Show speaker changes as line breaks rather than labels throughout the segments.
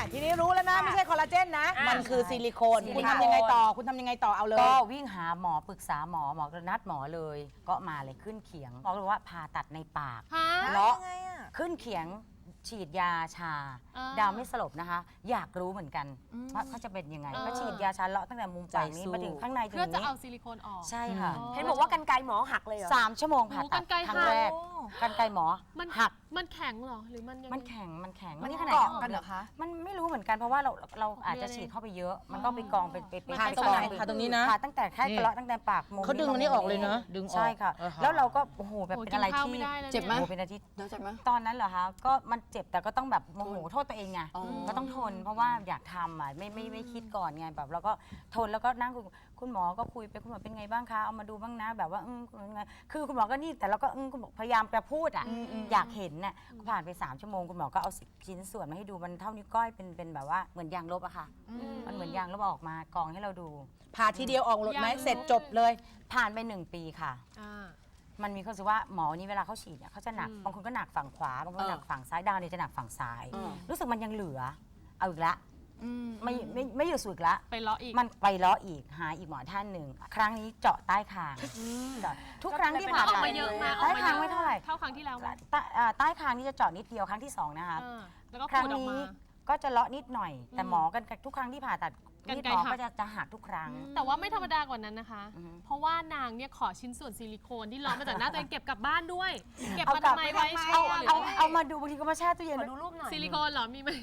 ทีนี้รู้แล้วนะไม่ใช่คอลลาเจนนะมันคือซิลิโคนคุณทำยังไงต่อเอาเลย
ก็วิ่งหาหมอปรึกษาหมอก็นัดหมอเลยก็มาเลยขึ้นเขียงหมอบอกว่าผ่าตัดในปาก
เลาะ
ขึ้นเขียงฉีดยาชา ดาวไม่สลบนะคะ อยากรู้เหมือนกันว่าเขาจะเป็นยังไงก็ฉีดยาชาเลาะตั้งแต่มุมปากนี้มาถึงข้างในถึง
เพื่อจะ
นี้
เอาซิลิโคนออก
ใช่ค่ะ
เห็นบอกว่ากรรไกรหมอหักเลยเหรอ
3 ชั่วโมงผ่าตัด
กรรไกร
ครั้งแรกกรรไกรหมอ
มัน
หัก
มันแข็งเหรอหรือมันยังไง
มันแข็ง
มัน
มันนี่ขนาด
เกาะกันเหรอคะ
มันไม่รู้เหมือนกันเพราะว่าเราอาจจะฉีดเข้าไปเยอะ มันก็ไปกองเป็น
ผ่าตรงไหนผ่าตรงนี้นะ
ผ่าตั้งแต่แค่กระเลาะตั้งแต่ปากมุม
เขาดึงอันนี้ออกเลยเนอะดึงออก
ใช่ค่ะ แล้วเราก็โอ้โหแบบเป็นอะไร
โอ้ยกินข้าว
ที่
ไม่ได้เลย
เจ็บไหม
โอ้โเป็นอาทิตย์
เจ็บไหม
ตอนนั้นเหรอคะก็มันเจ็บแต่ก็ต้องแบบโมโหโทษตัวเองไงก็ต้องทนเพราะว่าอยากทำอ่ะไม่คิดก่อนไงแบบเราก็ทนแล้วก็นั่งคุณหมอก็คุยไปคุณหมอเป็นไงบ้างคะเอามาดูบ้างนะแบบว่าคือคุณหมอก็นี่แต่เราก็คุณหมอพยายามจะพูดอ่ะอยากเห็นน่ะผ่านไป3 ชั่วโมงคุณหมอก็เอาชิ้นส่วนมาให้ดูมันเท่านิ้วก้อยเป็นแบบว่าเหมือนยางลบอะค่ะมันเหมือนยางลบออกมากองให้เราดู
ผ่าทีเดียวออกหมดไหมเสร็จจบเลย
ผ่านไป1 ปีค่ะ
อ่า
มันมีความรู้สึกว่าหมอนี้เวลาเขาฉีดเนี่ยเขาจะหนักบางคนก็หนักฝั่งขวาบางคนก็หนักฝั่งซ้ายดาวเนี่ยจะหนักฝั่งซ้าย รู้สึกมันยังเหลือเอาอีกละไม่อยู่สูดอีกละ
ไปเลาะอีก
มันไปเลาะอีกหาอีกหมอท่านหนึ่งครั้งนี้เจาะใต้คางเจาะทุกครั้งที่ผ่าน
ออก
ไป
มาเยอะมาก
ใต้คางไม่เท่าไหร่
เท่าครั้งที่แล้วไหม
ใต้คางนี่จะเจาะนิดเดียวครั้งที่2นะคะ
แล้วก็
ครั้
ขู
ง
ดออก
นี้
มา
ก็จะเลาะนิดหน่อย แต่หมอกันทุกครั้งที่ผ่าตัด
กรร
มีด
ไกร
หมอ
หัก
ก็จะหักทุกครั้ง
แต่ว่าไม่ธรรมดากว่านั้นนะคะ เพราะว่านางเนี่ยขอชิ้นส่วนซิลิโคนที่เลาะมาจากหน้าตัวเองเก็บกลับบ้านด้วย เก็บมาทำไมไว้แช่หรืออะไร
เอามาดูบางทีก็มาแช่ตู้เย็น
ขอดูรูปหน่อย
ซิลิโคนเหรอมีไหม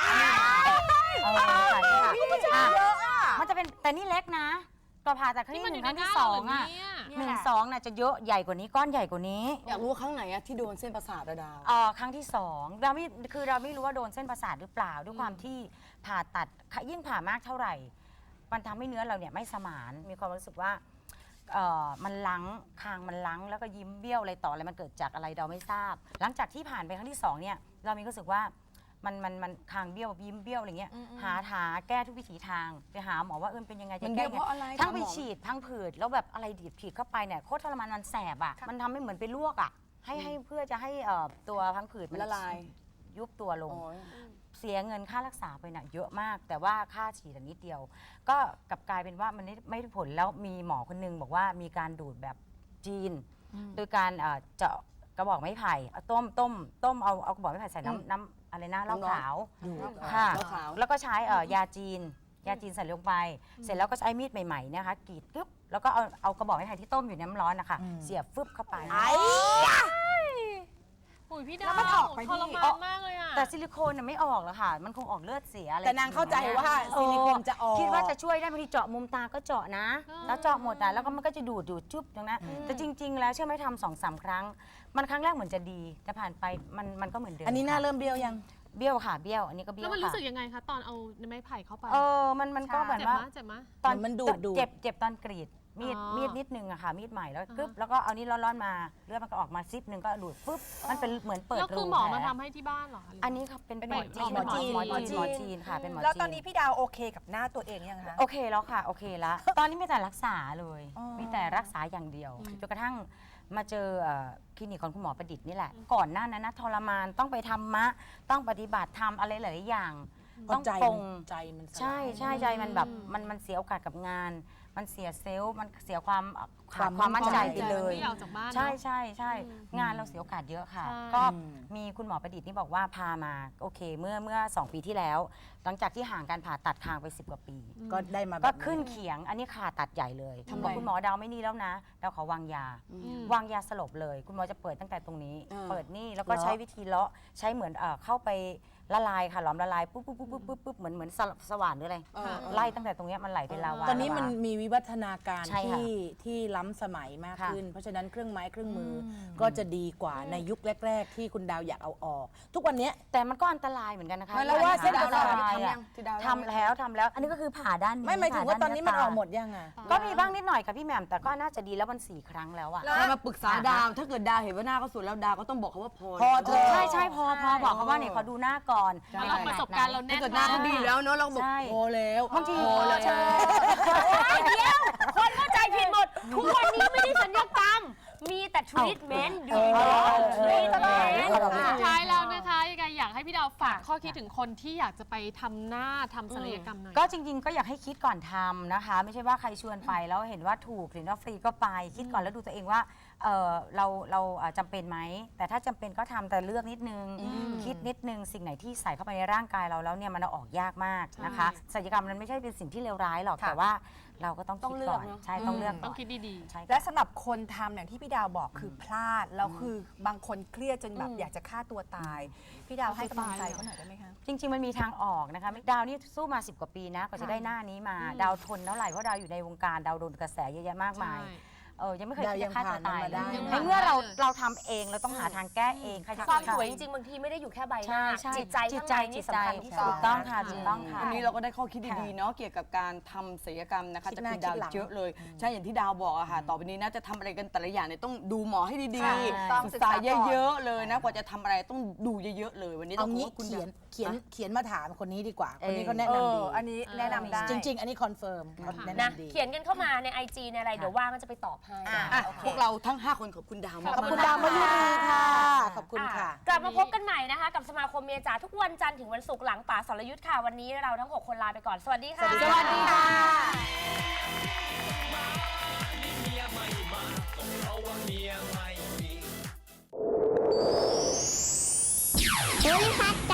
มันจะเป็นแต่นี่เล็กนะตัวผ่าตัดครั้งที่ 1 ครั้งที่2อ่ะ1 2น่ะจะเยอะใหญ่กว่านี้ก้อนใหญ่กว่านี้
อยากรู้ว่าครั้งไหนอะที่โดนเส้นประสาทอะดาว
ครั้งที่2เราไม่รู้ว่าโดนเส้นประสาทหรือเปล่าด้วยความที่ผ่าตัดยิ่งผ่ามากเท่าไหร่ มันทำให้เนื้อเราเนี่ยไม่สมานมีความรู้สึกว่ามันลังคางมันลังแล้วก็ยิ้มเบี้ยวอะไรต่ออะไรมันเกิดจากอะไรเราไม่ทราบ หลังจากที่ผ่านไปครั้งที่2เนี่ยเรามีความรู้สึกว่ามันคางเบี้ยวยิ้มเบี้ยวอะไรเงี้ยหาแก้ทุกวิถีทางไปหาหมอว่าเป็นยังไงจะ
มัน
แก้
เบี้ยวเพราะอะไร
ทั้งไป
ถามหมอ
ฉีดทั้งผืดแล้วแบบอะไรฉีดเข้าไปเนี่ยโคตรทรมานมันแสบอ่ะมันทำให้เหมือนไปลวกอ่ะให้เพื่อจะให้ตัวพังผืดมัน
ละลาย
ยุบตัวลง
อ๋อ
เสียเงินค่ารักษาไปน่ะเยอะมาก แต่ว่าค่าฉีดนิดเดียว ก็กลับกลายเป็นว่ามันไม่ได้ผลแล้วมีหมอคนนึงบอกว่ามีการดูดแบบจีน โดยการเจาะกระบอกไม้ไผ่เอาต้มเอากระบอกไม้ไผ่ใส่น้ำอะไรนะเหล้าขาวค่ะ
เหล้าขาว
แล้วก็ใช้ยาจีนใส่ลงไป เสร็จแล้วก็ใช้มีดใหม่ๆนะคะกรีดกึ๊บแล้วก็เอากระบอกไม้ไผ่ที่ต้มอยู่ในน้ำร้อนนะคะเสียบฟึบเข้าไป
ปุ๋ยพี่ดาว
แล้วมันออกไป
ทร
พี่
มานมากเลยอ่ะ
แต่ซิลิโคนน่ะไม่ออกหรอกค่ะ มันคงออกเลือดเสียอะไร
แต่นางเข้าใจว่าซิลิโคนจะออก
คิดว่าจะช่วยได้บางทีเจาะมุมตาก็เจาะนะ แล้วเจาะหมดอ่ะแล้วก็มันก็จะดูดจุ๊บตรงนั้นแต่จริง ๆ แล้วเชื่อไหมทำ2-3 ครั้ง มันครั้งแรกเหมือนจะดี แต่ผ่านไปมันก็เหมือนเดิม
อันนี้หน้า
ค่ะ
เริ่มเบี้ยวยัง
เบี้ยวค่ะเบี้ยวอันนี้ก็เบี้
แล้
ยว ว
มัน
ค่ะ
รู้สึกยังไงคะตอนเอาไม้ไผ่เข้าไป
มันก็แบบ
เจ็บ
ว่า
มะเจ็บมะ
ตอน
มันดูด
เจ็บตอนกรีดมีด
อ๋อ
มีดนิดนึงอะค่ะมีดใหม่แล้วกึ๊บแล้วก็เอานี้ร้อนๆมาเลือดมันก็ออกมาซิปหนึ่งก็ดูดปุ๊บมันเป็นเหมือนเปิด
แล้ว
รู
คือหมอ
แผล
มาทำให้ที่บ้านเหรอคะหรื
อันนี้ค่ะเป็นหมอจีน
หมอจีน
หมอจีนค่ะเป็นหมอจีน
แล้วตอนนี้พี่ดาวโอเคกับหน้าตัวเองยังคะ
โอเคแล้วค่ะโอเคแล้ว ตอนนี้มีแต่รักษาเลยมีแต่รักษาอย่างเดียวจนกระทั่งมาเจอคลินิกของคุณหมอประดิษฐ์นี่แหละ ก่อนหน้านั้นนะทรมานต้องไปทำต้องปฏิบัติทำอะไรหลายๆอย่าง ต้อง
ใจ
ปล
มั
ง
นใจมันสลาย
ใช่ใจมันแบบมันเสียโอกาสกับงาน มันเสียเซลล์มันเสียความ
ความ
ความมั่นใจ
มั่นใจ
ไปเลย
ไม่อยากออกจากบ้านเนอะ
ใช่งานเราเสียโอกาสเยอะค่ะ
ใช่
ก็มีคุณหมอประดิษฐ์นี่บอกว่าพามาโอเคเมื่อ2 ปีที่แล้ว หลังจากที่ห่างการผ่าตัดคางไป10 กว่าปี
ก็ได้มาแบบ
ก็ขึ้นเขียงอันนี้ขาตัดใหญ่เลยบอกคุณหมอดาวไม่นี่แล้วนะดาวขอวางยา วางยาสลบเลย คุณหมอจะเปิดตั้งแต่ตรงนี้ เปิดนี่แล้วก็ใช้วิธีเลาะใช้เหมือนเข้าไปละลายค่ะหลอมละลายปุ๊บเหมือนสว่านหรืออะไรไล่ตั้งแต่ตรงเนี้ยมันไหลเป็นลาวา
ตอนนี้มันมีวิวัฒนาการ
ใช่ค่ะ
ที่ล้ำสมัยมาก
ค่ะ
ขึ้น เพราะฉะนั้นเครื่องไม้เครื่องมืออก็จะดีกว่าในยุคแรก ๆ ที่คุณดาวอยากเอาออก ทุกวันเนี้ย
แต่มันก็อันตรายเหมือนกันนะคะ
แล้วว่าเส้นประสาท
อันตรายอะ
ที่ดาว
ทำแล้ว อันนี้ก็คือผ่าด้านนี้
ไม่หมายถึงว่าตอนนี้มันออกหมด
ผ่า
ยังอ่ะ
ด้านก็มีบ้างนิดหน่อยค่ะพี่แหม่มแต่ก็น่าจะดีแล้วมัน4 ครั้งแล้วอะ
ใครมาปรึกษาดาว ถ้าเกิดดาวเห็นว่าหน้าเขาสวยแล้วดาวก็ต้องบอกเขาว่าพอ
พอเถอะ
ใช่พอบอกเขาว่าเนี่ยขอดูหน้าก่อน
เราประสบการณ์เราแน่
ถ้าน เกิดหน้าเขาดีแล้วเนาะเราบอก
ใช่
พอแล้ว
บางที
พอแล้ว
ใช่
เดี๋ยวคนเข้าใจผิดหมด ทุกวันนี้ไม่ได้สัญญกรรม มีแต่ทรีทเมนต์ดู
เออ
ทรีทเมนต์
สุดท้ายแล้วนะคะยังไงอยากให้พี่ดาวฝากข้อคิดถึงคนที่อยากจะไปทำหน้าทำศัลยกรรมหน่อย
ก็จริง ๆ ก็อยากให้คิดก่อนทำนะคะ ไม่ใช่ว่าใครชวนไปแล้วเห็นว่าถูกหรือว่าฟรีก็ไปคิดก่อนแล้วดูตัวเองว่าเราจำเป็นไหมแต่ถ้าจำเป็นก็ทำแต่เลือกนิดนึง คิดนิดนึงสิ่งไหนที่ใส่เข้าไปในร่างกายเราแล้วเนี่ยมันเอาออกยากมากนะคะศัลยกรรมมันไม่ใช่เป็นสิ่งที่เลวร้ายหรอกแต่ว่าเราก็ต้องคิดก่อนใช่ต้องเลือกก่
ต้
อ
อน งคิดดี
ใช่ค่ะ
และสำหรับคนทำอย่างที่พี่ดาวบอกคือพลาดแล้วคือบางคนเครียดจนแบบอยากจะฆ่าตัวตาย พี่ดาวให้กำลังใจเขาหน่อยได้ไหมคะ
จริง ๆ มันมีทางออกนะคะดาวนี่สู้มา 10 กว่าปีนะกว่าจะได้หน้านี้มา ดาวทนเท่าไหร่เพราะดาวอยู่ในวงการดาวโดนกระแสเยอะแยะมาก
ๆ
มาย
ใช่
ยังไม่เคย
ดาว
คิด
ยั
จะ
ง
ฆ่าตัว
ผ่านมัน
ตาย
มาได้
ในเมื่อเราทำเองเราต้องหาทางแก้เองใครจะ
ความ
ทำ
สวยจริงๆบางทีไม่ได้อยู่แค่ใบหน้า
ใช่
จิตใจ
จิต
ข้าง
ใจ
ในนี่สำคัญที่สุ
ถู
ด
กต้องค่ะถูกต้องค่ะ
วันนี้เราก็ได้ข้อคิดดีๆเนาะเกี่ยวกับการทำศัลยกรรมนะคะ
คิด
จาก
หน้า
คุณดาว
คิดหลัง
เยอะเลย ใช่อย่างที่ดาวบอกอะค่ะต่อไปนี้นะจะทำอะไรกันแต่ละอย่างเนี่ยต้องดูหมอให้ดี
ใช่
ๆศึกษาเยอะๆเลยนะกว่าจะทำอะไรต้องดูเยอะๆเลยวันนี้ต้
เอา
องขอบ
งี้
คุณ
เขียน
ดาว
เขียนมาถามคนนี้ดีกว่า คนนี้
เออ
เขาแนะนำดี
อันนี้แนะนำได้
จริง ๆ อันนี้คอนเฟิร์มเขาแนะ
นะ
นำดี
เขียนกันเข้ามาใน IG ในอะไรเดี๋ยวว่างก็จะไปตอบให้
อ่ะ
โอเค
พวกเราทั้ง 5 คนขอบคุณดาวมาก
ขอบคุณดาวมาดีค่ะ ขอบคุณค่ะ
กลับมาพบกันใหม่นะคะ กับสมาคมเมียจ๋าทุกวันจันทร์ถึงวันศุกร์หลังป่าสรยุทธ์ค่ะ วันนี้เราทั้ง 6 คนลาไปก่อน สวัสดีค่ะ
สวัสดีค่ะ
ภูริพัฒน์